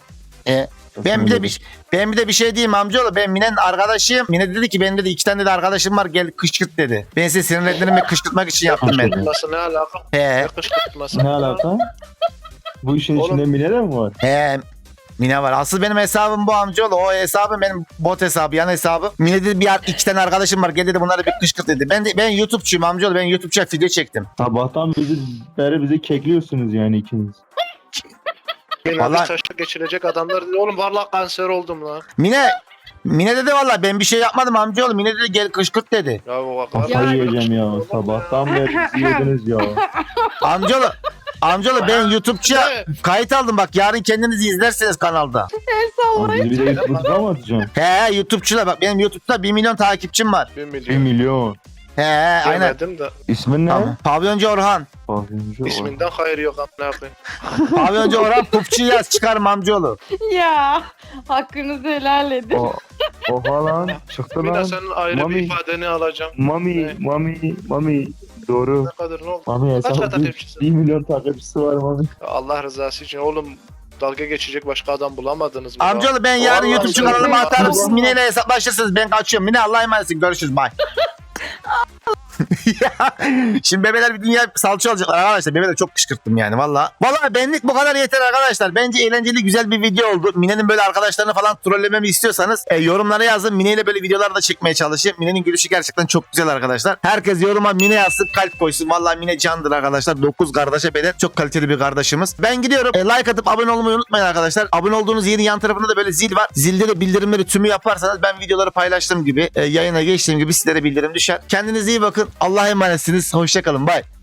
[SPEAKER 1] Ben bir de bir şey diyeyim amcaoğlu. Ben Mine'nin arkadaşıyım. Mine dedi ki benim dedi 2 tane de arkadaşım var gel kışkırt dedi. Ben size sinirlendirme kışkırtmak için yaptım ben.
[SPEAKER 2] Nasıl ne alaka?
[SPEAKER 1] He
[SPEAKER 2] Ne kışkırtması?
[SPEAKER 4] Ne alaka? Bu işin
[SPEAKER 2] Oğlum.
[SPEAKER 4] içinde Mine de mi var?
[SPEAKER 1] he. Mine var. Asıl benim hesabım bu amcaoğlu. O hesabım benim bot hesabı, yan hesabı. Mine dedi 2 tane arkadaşım var. Gel dedi bunları bir kışkırt dedi. Ben YouTube'çuyum amcaoğlu. Ben YouTube'ça video çektim.
[SPEAKER 4] Sabahtan bizi kekliyorsunuz yani ikiniz.
[SPEAKER 2] Yine
[SPEAKER 1] Vallahi-
[SPEAKER 2] bir taşla geçirecek adamlar dedi. Oğlum vallahi kanser oldum lan.
[SPEAKER 1] Mine dedi valla ben bir şey yapmadım amcaoğlu. Mine dedi gel kışkırt dedi.
[SPEAKER 2] Ya bak.
[SPEAKER 4] Kafayı yiyeceğim ya. Sabahtan beri bizi yediniz ya.
[SPEAKER 1] Amcaoğlu ben YouTube'ça
[SPEAKER 2] Ne?
[SPEAKER 1] kayıt aldım bak yarın kendiniz izlersiniz kanalda.
[SPEAKER 4] Abi bizi bir de YouTube'da mı atacaksın?
[SPEAKER 1] He YouTube'çular bak benim YouTube'da 1 milyon takipçim var.
[SPEAKER 2] 1
[SPEAKER 4] 1
[SPEAKER 2] milyon.
[SPEAKER 4] milyon.
[SPEAKER 1] He aynen.
[SPEAKER 2] Demedim de
[SPEAKER 4] İsmin ne?
[SPEAKER 1] Tamam. Pavyoncu Orhan.
[SPEAKER 4] Pavyoncu.
[SPEAKER 2] isminden hayır yok amına koyayım.
[SPEAKER 1] Pavyoncu Orhan pupçu yaz çıkarım amcaoğlu.
[SPEAKER 3] Ya hakkınızı helal edin.
[SPEAKER 4] Oha lan. Çıktı
[SPEAKER 2] Bir de
[SPEAKER 4] lan.
[SPEAKER 2] senin ayrı
[SPEAKER 4] Mami.
[SPEAKER 2] bir ifadeni alacağım.
[SPEAKER 4] Mami. Doğru.
[SPEAKER 2] Ne kadar ne oldu?
[SPEAKER 4] Mami
[SPEAKER 2] Kaç
[SPEAKER 4] hesabı
[SPEAKER 2] takipçisin?
[SPEAKER 4] 1 milyon takipçisi var Mami.
[SPEAKER 2] Ya Allah rızası için oğlum dalga geçecek başka adam bulamadınız mı? ya?
[SPEAKER 1] Amcaoğlu ben yarın
[SPEAKER 2] Vallahi
[SPEAKER 1] YouTube'cu
[SPEAKER 2] sen-
[SPEAKER 1] kanalıma atarım siz Mine ile hesaplaşırsınız ben kaçıyorum. Mine Allah'a emanetsin görüşürüz bye. Ya, şimdi bebeler bir dünya salça olacaklar arkadaşlar. Bebeler çok kışkırttım yani valla. Valla benlik bu kadar yeter arkadaşlar. Bence eğlenceli güzel bir video oldu. Mine'nin böyle arkadaşlarını falan trollememi istiyorsanız yorumlara yazın. Mine ile böyle videolar da çekmeye çalışayım. Mine'nin gülüşü gerçekten çok güzel arkadaşlar. Herkes yoruma Mine yazsın kalp koysun. Valla Mine candır arkadaşlar. 9 kardeşe bedel. Çok kaliteli bir kardeşimiz. Ben gidiyorum. Like atıp abone olmayı unutmayın arkadaşlar. Abone olduğunuz yerin yan tarafında da böyle zil var. Zilde de bildirimleri tümü yaparsanız ben videoları paylaştığım gibi yayına geçtiğim gibi sizlere bildirim düşer. Kendinize iyi bakın. Allah'a emanetsiniz. Hoşçakalın. Bye.